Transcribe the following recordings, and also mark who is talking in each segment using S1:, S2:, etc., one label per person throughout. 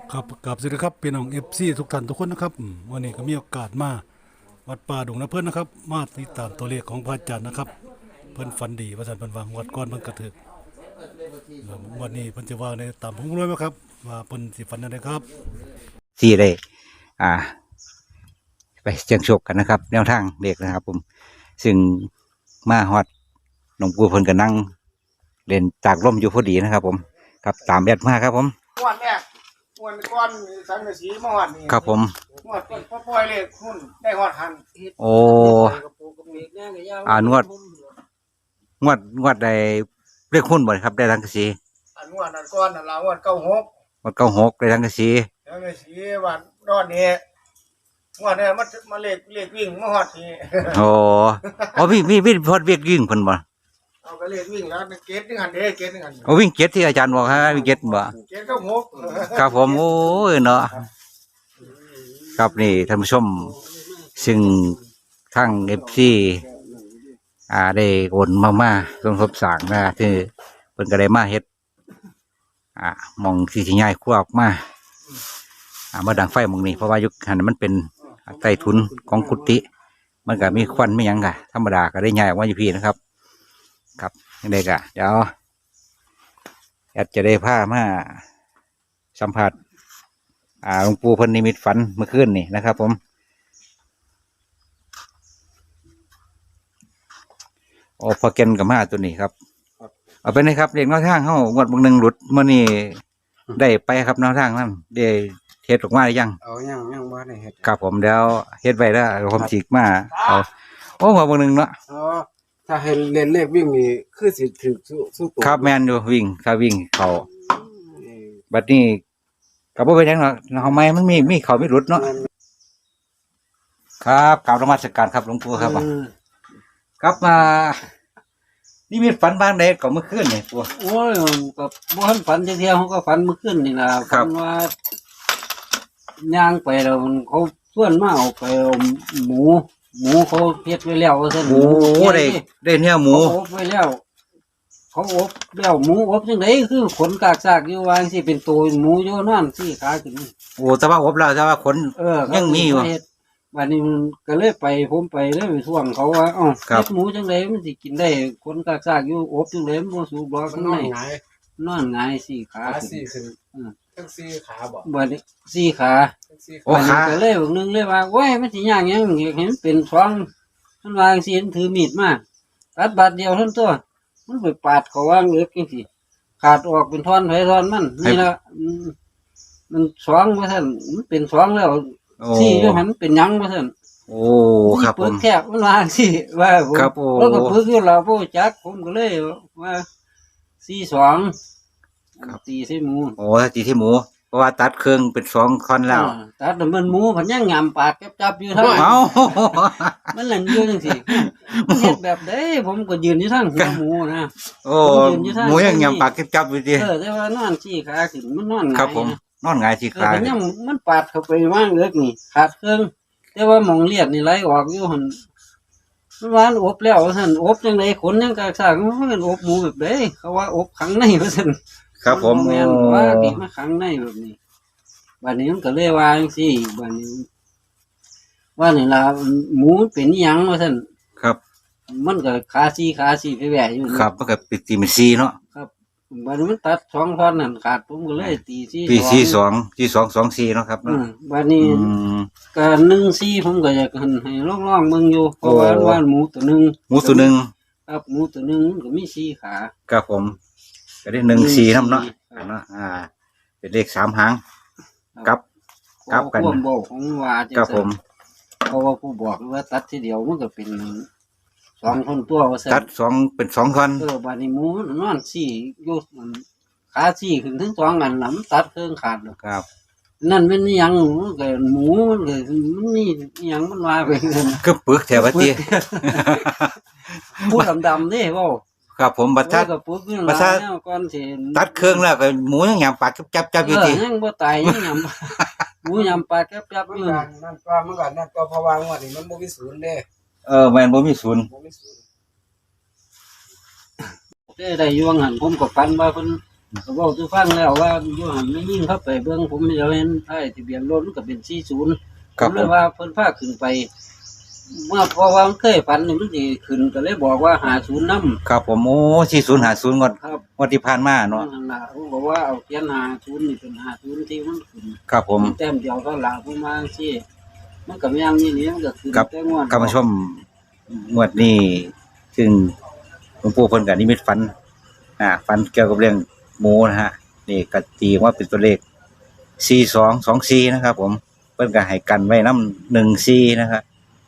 S1: ครับกับสวัสดีครับพี่น้องFCทุกท่านทุกคนนะครับวันนี้ก็มีโอกาสมาวัดป่าดงนะเพื่อนนะครับมาติดตามตัวเลขของพระอาจารย์นะครับเพิ่นฝันดีว่าสันเพิ่นวางวัดก้อนเพิ่นกระถึกวันนี้เพิ่นจะว่าในตามผมรู้ไหมครับว่าเพิ่นสิฝันอะไรครับ
S2: ที่ได้อ่าไปเสี่ยงโชคกันนะครับแนวทางเด็กนะครับผมซึ่งมาฮอดหลวงปู่เพิ่นก็นั่งเล่นจากร่มอยู่พอดีนะครับผมครับตามแอดมาครับผม
S3: ม้วนแรกม้วนก้อนสังกะสีมาหอดนี่
S2: ครับผม
S3: ม้วนพอปล่อยเลยหุ้นได้หอดหัน
S2: โอ้งวดได้เรียกหุ้นบ่ครับได้ทั้งกะสี
S3: อันม้วนอันก้อนอันลาม้วน96
S2: งวด96ได้ทั้งกะสี
S3: สังกะสีวันรอดนี้ม้วนเนี่ยมาเลขวิ่งมาหอดนี่
S2: โอ้อ๋อมีพอดเวียกยิ่งเพิ่นบ่
S3: เอาก็เลขวิ่งแล้วเกตนึงหันเด้เกตนึงหัน
S2: โอ้วิ่งเก็ดที่อาจารย์บอกฮะวิ่งเก็ดบ่
S3: เกต96
S2: ครับผมโอ้ยเนาะครับนี่ท่านผู้ชมซึ่งทั้ง FC ได้โอนมาสมทบสร้างนะที่เพิ่นก็ได้มาเฮ็ดหมองที่สิย้ายครัวออกมามาดังไฟหมองนี้เพราะว่ายุคนั้นมันเป็นใต้ถุนของกุฏิมันก็มีควันไม่ยั้งกะธรรมดาก็ได้ย้ายออกมาอยู่พี่นะครับครับยังไงกะเดี๋ยวแอดจะได้พามาสัมผัสหลวงปู่เพิ่นนิมิตฝันเมื่อคืนนี่นะครับผมโอ้พอเกนกับมาตัวนี้ครับเอาไปเลยครับเรียกแนวทางเข้างวดบางหนึ่งหลุดเมื่อนี้ได้ไปครับแนวทางนั่นได้เฮ็ดออกมาหรือยัง
S3: ยังบ่ได้เฮ็ด
S2: ครับผมแล้วเฮ็ดไว้แล้วผมฉีกมาเอาโอ้งวดบางหนึ่งเนาะ
S3: อ๋อถ้าให้เล่นเลขวิ่งนี่คือสิถึกสู้ตัว
S2: ครับแมนอยู่วิ่งถ้าวิ่งเขาบัดนี้กับว่าเป็นยังเนาะทำไมมันมีเขาไม่หลุดเนาะครับกราบนมัสการครับหลวงปู่ครับครับมานี่มีฝันบ้างใดก็เมื่อคืนนี่ปู่
S4: โอ้ยก็บ่ทันฝันจักเที่ยเขาก็ฝันเมื่อคืนนี่ล่ะฝันว่าย่างไปแล้วมันเขาชวนมาเอาไปเอาหมูเขาเฮ็ดไว้แล้วว่าซั่น
S2: โอ้ได้เนื้อหมู
S4: เขาอบไว้แล้วเขาอบแล้วหมูอบจังไดคือขนกากซากอยู่ว่าจังซี่เป็นตัวหมูอยู่นั่นสี่ขาขึ้น
S2: โอ้แต่ว่าอบแล้วแต่ว่าขนยังมีอยู่
S4: วันนี้มันก็เลยไปผมไปเลยไปท่วงเขาว่าเฮ็ดหมูจังไดมันสิกินได้ขนกากซากอยู่อบจังไดมันบ่สุกบ่ข้างในนอนหงายสี่ขา
S3: สี่ขึ้นทั้งสี่ขาบ่
S4: บัดนี้สี่ขา
S2: โอ้ขา
S4: ก็เลยบอกนึงเลยว่าโอ้ยมันสิย่างหยังเห็นเป็นช่องมันวางสิเห็นถือมีดมาตัดบาดเดียวเท่านั้นตัวมันไปปาดเขาวางเล็กจังซี่ขาดออกเป็นท่อนไผท่อนมันนี่ละมันช่องว่าซั่นมันเป็นช่องแล้วสี่อยู่หันเป็นหยังว่าซั่น
S2: โอ้ครับผม
S4: แคบมันวางสิว่าผมแล้วก็ปึกอยู่เราบ่จักผมก็เลยว่า42ตีใส่หมู
S2: โอ้ตีที่หมูเพราะว่าตัดเครื่องเป็น2ท่อนแล้ว
S4: ตัดมันหมูพันยังงามปากจับอยู่ทั้งมันหลังอยู่จังซี่เฮ็ดแบบใดผมก็ยืนอยู่ทั้งหัวหมูนะ
S2: โอ้หมูยังงามปากจับอยู่ดิ
S4: แต่ว่านอนชี้ขาขึ้นมันนอนหงาย
S2: ครับผมนอนหงายชี้ขา
S4: มันยังมันปาดเข้าไปว่างเล็กนี่ขาดเครื่องแต่ว่าหม่องเลียดนี่ไหลออกอยู่หั่นมันว่าอบแล้วซั่นอบจังได๋ขนยังกากซากมันอบหมูแบบใดเขาว่าอบขังในว่าซั่น
S2: ครับผม
S4: แม่นว่าเก็บมาขังในแบบนี้บัดนี้มันก็เลยว่าจังซี่บัดนี้ว่านี่ล่ะหมูเป็นอีหยังว่าซั่น
S2: ครับ
S4: มันก็ขาสี่ไปแหวะอยู่
S2: ครับมันก็ปิดตีมัน4เนาะ
S4: ครับบัดนี้มันตัด2ท่อนนั่นขาดผมก็เลยตี
S2: 4 2 4เนาะครับ
S4: บัดนี้ก็14ผมก็อยากให้ลองเบิ่งอยู่เพราะว่าหมูตัวนึงครับหมูตัวนึงมันก็มี4ขา
S2: ครับผมก็ได้14นำเนาะเป็นเลข3หางกับกัน
S4: ความบอกของว่า
S2: ครับผม
S4: เพราะว่าผู้บอกว่าตัดทีเดียวมันก็เป็น2ท่อนตัวว่าซั่น
S2: ตัด2เป็น2ท่อน
S4: บัดนี้หมูนอน4อยู่ขา4ขึ้นถึง2อันน่ะมันตัดเครื่องขาด
S2: ครับ
S4: นั่นเป็นอีหยังมันก็หมูมันก็มันนี่อีหยังมันว่าไป
S2: คือปึกแถวว่าติ
S4: ผู้ดำๆนี่เว้า
S2: ครับผมบัดทัด
S4: ก่อนสิ
S2: ตัดเครื่องแล้วก็หมูยังยำปากจับอยู่ติ
S4: ยังบ่ตายยังยำหมูยำปากจับอยู่
S3: นั่นก็มันก็นั่นก็เพราะว่างวดนี้มันบ่มีศูนย์เด้
S2: แม่นบ่มีศูนย์
S4: ได้อยู่ว่างั้นผมก็ฝันว่าเพิ่นเขาบอกทุกฟังแล้วว่าอยู่หันไม่ยิ่งเข้าไปเบื้องผมเดี๋ยวเห็นไอ้ทะเบียนรถมันก็เป็น40ผมเลยว่าเพิ่นพาขึ้นไป เมื่อพอว่ามันเคยฝันนี่มันสิขึ้นก็เลยบอกว่า50นำ
S2: ครับผมโอ้4050งวด
S4: ครับ
S2: งวดที่ผ่านมาเนาะ
S4: นั่นล่ะผมบอกว่าเอาเขียน50นี่เป็น50ที่มันขึ้น
S2: ครับผม
S4: แต้มเดียวเท่าหลาผมว่าจังซี่มันก็แม่นนี่มันก็ขึ้น
S2: ครับ
S4: แต่งวด
S2: ท่านผู้ชมงวดนี้ซึ่งหลวงปู่เพิ่นก็นิมิตฝันฝันเกี่ยวกับเรื่องหมูนะฮะนี่ก็ตีว่าเป็นตัวเลข4224นะครับผมเพิ่นก็ให้กันไว้นำ14นะครับ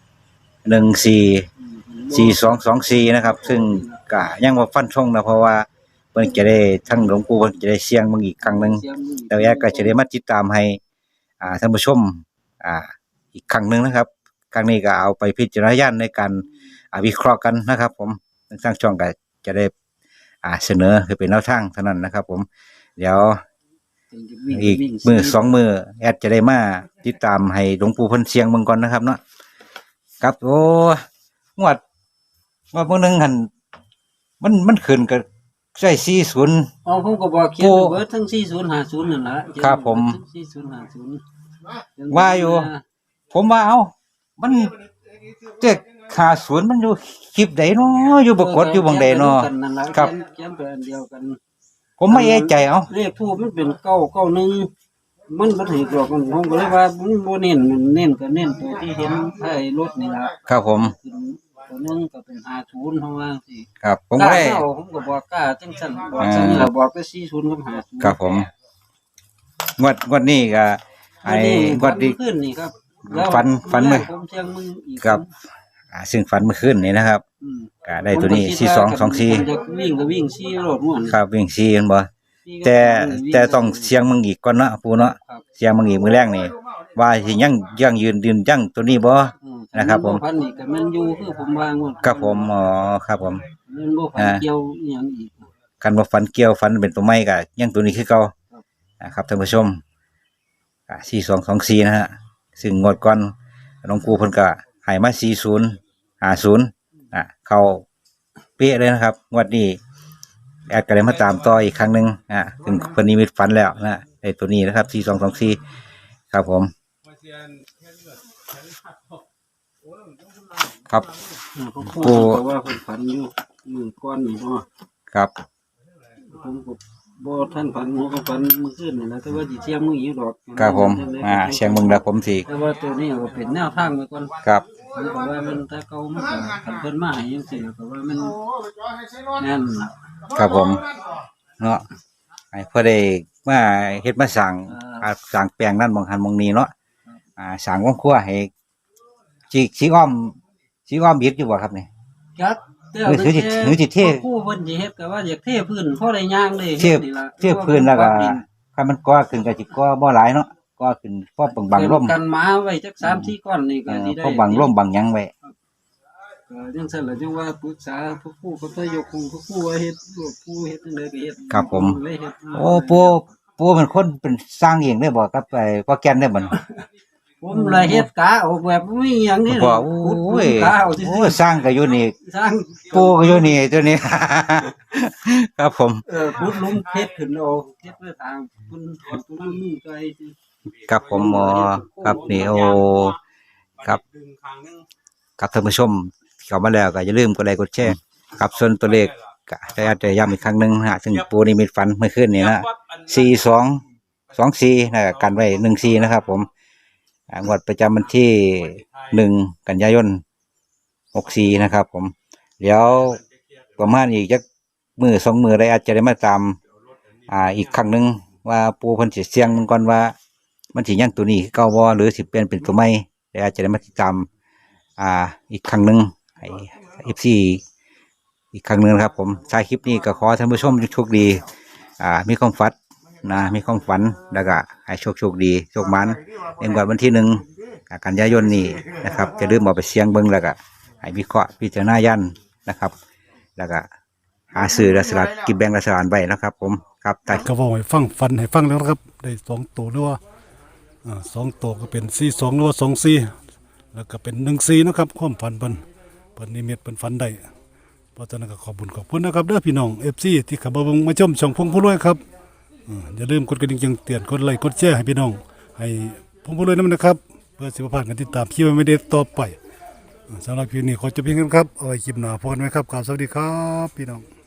S2: 4224นะครับซึ่งก็ยังบ่ฟันธงนะเพราะว่าเพิ่นจะได้ทั้งหลวงปู่เพิ่นจะได้เสี่ยงเบิ่งอีกครั้งหนึง
S4: เสียงมือ
S2: แล้วแอดก็จะได้มาติดตามให้ท่านผู้ชมอีกครั้งหนึ่งนะครับ ครั้งนี้ก็เอาไปพิจารณาญาณในการวิเคราะห์กันนะครับ ผมทางช่องก็จะได้เสนอคือเป็นแนวทางเท่านั้นนะครับ ผมเดี๋ยวอีกมือ2 มือแอดจะได้มาติดตามให้หลวงปู่เพิ่นเสียงเบิ่งก่อนนะครับเนาะครับโอ้งวดมื้อนึงหั่นมันขึ้นก็ใช่40
S4: อ๋อผมก็บอกเขียนเบิดทั้ง4050นั่นล่ะ
S2: ครับผม
S4: 4050
S2: ว่าอยู่ ผมว่ามันเจ็ก50มันอยู่คลิปใดเนาะอยู่บ่กดอยู่บังใดเนาะ ครับ
S4: เขียนเป็นอันเดียวกัน
S2: ผมไม่เอะใจ
S4: เลขทูปมันเป็น991มันบ่ถูกหรอกมันผมก็เลยว่ามันบ่เน้นเน้นก็เน้นตัวที่เห็นไอ้รถนี่ล่ะ
S2: ครับผม
S4: ตัวนึงก็เป็น50เพราะว่าสิ
S2: ครับผม
S4: ก
S2: ก็
S4: ล้า
S2: ได้
S4: เอาผมก็บอกกล้าจังซั่นบอกจังนี้ล่ะบอกไป40กับ50
S2: ครับผมงวดนี้ก็ไอ้งวดนี้
S4: ขึ้นนี่ครับ
S2: ฝันไหม
S4: ผมเที่ยงมึงอีก
S2: ครับซึ่งฝันเมื่อคืนนี้นะครับ
S4: อืม
S2: ก็ได้ตัวนี้
S4: ผมก็คิดว่าผม
S2: 4224
S4: จะวิ่งก็วิ่ง4รถม่วน
S2: ครับวิ่ง4กันบ่แต่ต้องเสียงมึงอีกก่อนเนาะปู่เนาะ
S4: ครับ
S2: เสียงมึงอีกมื้อแรกนี่ว่าสิยังยืนยั่งตัวนี้บ่
S4: อืม
S2: นะครับผม
S4: พันนี่ก็แมันอยู่คือผมวางหมด
S2: ครับผมอ๋อครับผม
S4: มันบ่พันเกี่ยวอหยังอีก
S2: กันว่าฝันเกี่ยวฝันเป็นตัวไม้ก็ยังตัวนี้คือเก่า
S4: ครับ
S2: นะครับท่านผู้ชม4224นะฮะซึ่งงวดก่อนหลวงปู่เพิ่นก็ให้มา4050เข้าเป๊ะเลยนะครับงวดนี้แอดก็เลยมาตามต่ออีกครั้งหนึงถึงเพิ่นนิมิตฝันแล้วนะไอ้ตัวนี้นะครับ4224ครับผมครับ
S4: ผมพูดว่าผมฝันอยู่มือก้อนนี่เนาะ
S2: ครับ
S4: ผมก็บ่ท่านฝันผมก็ฝันมื้อคืนนี่แหละแต่ว่าสิเที่ยงมื้ออีกดอก
S2: ครับผมเสียงมึงแล้วผมสิ
S4: แต่ว่าตัวนี้ก็เป็นแนวทางไว้ก่อน
S2: ครับ
S4: ผมก็ว่ามันถ้าเก่ามันก็คันเพิ่นมาให้จังซี่ก็ว่ามันแน่น
S2: ครับผมเนาะให้เพื่อได้มาเฮ็ดมาสั่งสั่งแปลงนั่นบางหันบางนี้เนาะสั่งวงครัวให้สีอ้อมบิดอยู่บ่ครับนี่
S4: ครับ
S2: หรือสิเท
S4: ผู้เพิ่นสิเฮ็ดก็ว่าอยากเทพื้นพอได้ย่างได้
S2: เทียบ
S4: นี่ล่ะ
S2: เทียบพื้นแล้วก็ถ้ามันก่อขึ้นก็สิก่อบ่หลายเนาะก่อขึ้นพอบังลม
S4: กันหมาไว้จัก3-4ก้อนนี่ก็สิได้
S2: พอบังลมบังหยังไว้
S4: ก็จังซั่นล่ะจังว่าปรึกษาผู้ก็ต้องยกผู้ว่าเฮ็ดลูกผู้เฮ็ดจังได๋ก็เฮ็ด
S2: ครับผม
S4: เลยเฮ็ด
S2: โอ้ปู่เป็นคนเป็นสร้างเองได้บ่ครับไปพ่อแก่นได้บ่
S4: ผมเลยเฮ็ดกะออกแบบบ่มีหยังนี่
S2: บ่โอ้ย
S4: กะเอาซื่
S2: โอ้ยสร้างก็อยู่นี่
S4: สร้าง
S2: ปู่ก็อยู่นี่ตัวนี้ ครับผม
S4: ขุดหลุมเฮ็ดขึ้นเอาเฮ็ดไว้ทางคุณตัวนี้ไกลสิ
S2: ครับผมครับนี่โอ้ครับครับท่านผู้ชมเข้ามาแล้วก็อย่าลืมกดไลค์กดแชร์ครับส่วนตัวเลขก็ได้อาจจะย้ำอีกครั้งหนึงนะฮะซึ่งปูนิมิตฝันเมื่อคืนนี้นะ4224นะกันไว้14นะครับผมงวดประจำวันที่1กันยายน64นะครับผมเดี๋ยวประมาณอีกจักมือ2 มือได้อาจจะได้มาตามอีกครั้งหนึงว่าปูเพิ่นสิเสียงมันก่อนว่ามันสิยังตัวนี้คือเก่าบ่หรือสิเปลี่ยนเป็นตัวใหม่ได้อาจจะได้มาติดตามอีกครั้งหนึงให้ FC อีกครั้งหนึงนะครับผมท้ายคลิปนี้ก็ขอท่านผู้ชมโชคดีมีความฝันมีความฝันแล้วก็ให้โชคดีโชคมันในวันที่1กันยายนนี้นะครับจะลืมเอาไปเสียงเบิ่งแล้วก็ให้วิเคราะห์พิจารณายันนะครับแล้วก็หาซื้อและสลัดกินแบ่งรัฐบาลไว้นะครับผมครับแต่
S1: ก็บอกให้ฟังฟันให้ฟังแล้วนะครับได้2ตัวหรือว่า2ตัวก็เป็น42หรือว่า24แล้วก็เป็น14นะครับความฝันเพิ่นนิมิตเพิ่นฝันได้เพราะฉะนั้นก็ขอบคุณนะครับเด้อพี่น้อง FC ที่เข้ามาชมช่องพงผู้รวยครับอย่าลืมกดกระดิ่งแจ้งเตือนกดไลค์กดแชร์ให้พี่น้องให้พงผู้รวยนำนะครับเพื่อสิบ่พลาดการติดตามคลิปไม่ได้ต่อไปสำหรับคลิปนี้ขอจบเพียงเท่านี้ครับเอาไว้คลิปหน้าพบกันใหม่ครับกราบสวัสดีครับพี่น้อง